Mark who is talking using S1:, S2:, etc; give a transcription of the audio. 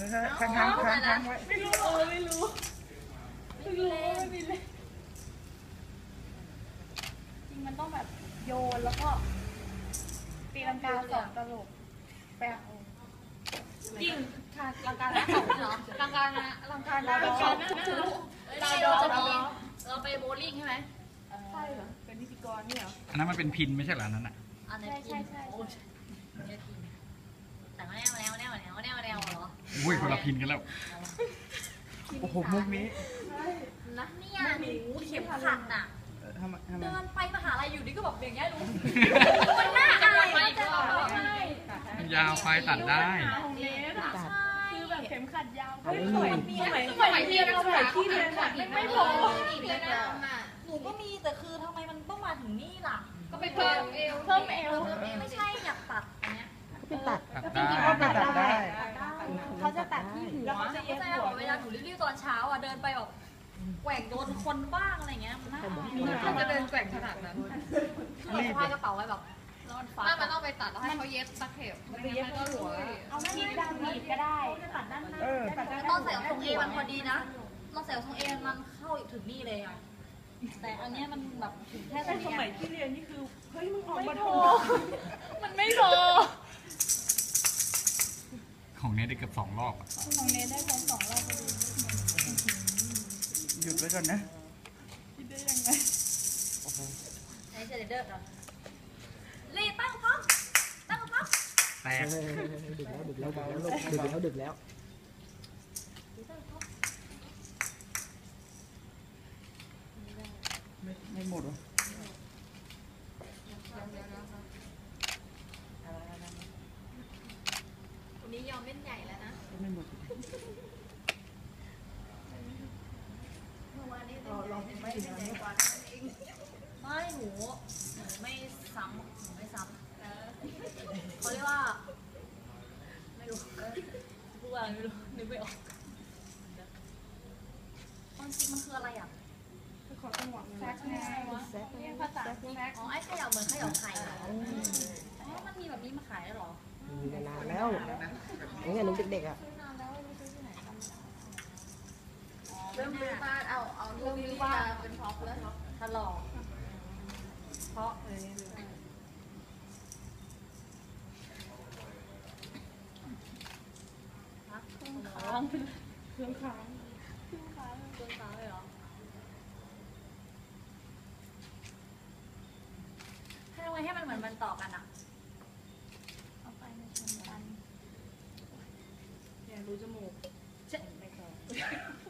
S1: ค้างไว้
S2: ไม่รู้ไม่รู้ไม่มีเลยจริงมันต้องแบบโยนแล้วก็ตีลังกาสองตลบแปะจริงลังกาแล้วเหรอลังกานะลังกานะเราไปโบลิ่งใช่ไหมใช่เหรอเป็นพิธีกรนี่เหรอ
S1: อันนั้นมันเป็นพินไม่ใช่เหรอนั้นอ่ะ
S2: ใช่แต่มาแนวเหรอ
S1: อุ้ยคนละพินกันแล้วโอ้โหมุกนี้
S2: นะเนี่ยหนูเข็มขัดน่ะเดินไปมหาลัยอยู่นี่ก็แบบอย่างเงี้ยรู้มันน่าอาย
S1: มันยาวไฟตัดได้
S2: คือแบบเข็มขัดยาว
S3: สมัยที่เราใส่ที่เรียน
S2: ไม่พอหนูก็มีแต่คือทำไมมันต้องมาถึงนี่ล่ะ
S3: ก็ไปเพิ่มเอว
S2: ไม่ใช่อยากตัดอันเนี้ย
S4: ไปตัด
S1: ได้
S4: เขาจะตัดที่หัว
S2: แล้วเขาจะเย็บหัวเวลาหนูรีบๆตอนเช้าอ่ะเดินไปแบบแกว่งโดนคนบ้างอะไรเงี้ยมันน่า
S3: เขาจะเดินแกว่งขนาดนั้น
S2: คือเราพายกระเป๋าไว้แบบแล้วมันฟ้า
S3: มันต้องไปตัดแล้วให้เขาเย็บตะเข็บ
S4: มันเย็บก็หัว
S2: เอาหนีบด้านหนีบก็ได้ตัดด้านหน้าตอนใส่ทรงเอมันพอดีนะเราใส่ทรงเอมันเข้าถึงนี่เลยอ่ะแต่อันนี้มันแบบถึงแค่สมัยที่เรียนนี่คือเฮ้ยมันออกมาโถมันไม่โถ
S1: ของเนทได้เกือบ2 รอบอ่ะ
S2: ของเนทได้2 รอบพอดี
S1: หยุดไว้ก่อนนะ
S2: คิดได้ยังไงโอ้โหไอ้เจเดอร์ก่อนรีตั้งพร้อมแตก
S4: ดึกแล้ว
S1: ไม่หมดหรอ
S2: วันนี้ยอมเล่นใหญ่แล้วนะ
S1: ไม่หมด
S2: ไม่หนูไม่ซ้ำเขาเรียกว่าไม่รู้พูดอะไรไม่รู้นึกไม่ออกจริงมันคืออะไรอ่ะ
S4: แซกไง
S2: ภาษาแซกอ๋อไอ้เขย่าเหมือนเขย่าไข่เหรออ๋อมันมีแบบนี้มาขายได้หรอ
S4: มีนานแล้วตั้งแต่หนูเด็กๆอ่ะ
S3: เริ่มซื้อบ้านเอาเริ่มซื้อบ้านเป็นท็อปแล้ว
S2: ถลอกเพราะเครื่องค้างเลยเหรอให้ทำไงให้มันเหมือนมันต่อกันอ่ะเอาไปมาชนกัน
S3: เนี่ยรู้จมูก
S2: ไม่พอ